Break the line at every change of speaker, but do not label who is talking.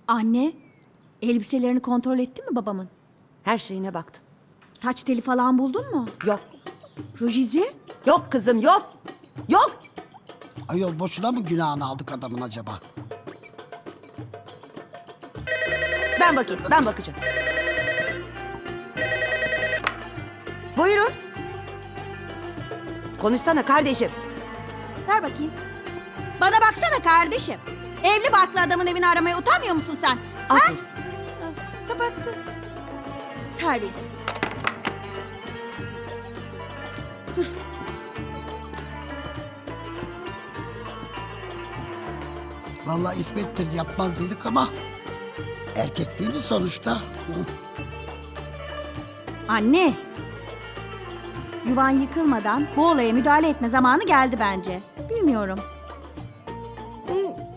Anne, elbiselerini kontrol ettin mi babamın?
Her şeyine baktım.
Saç teli falan buldun mu?
Yok.
Ruj izi?
Yok kızım yok. Yok.
Ayol boşuna mı günahını aldık adamın acaba?
Ben bakayım, ben bakacağım. Buyurun. Konuşsana kardeşim.
Ver bakayım. Bana baksana kardeşim. Evli barklı adamın evini aramaya utanmıyor musun sen?
Aferin.
Kapattı. Terbiyesiz.
Vallahi İsmet'tir yapmaz dedik ama erkek değil mi sonuçta? Hı.
Anne. Yuvan yıkılmadan bu olaya müdahale etme zamanı geldi bence. Bilmiyorum.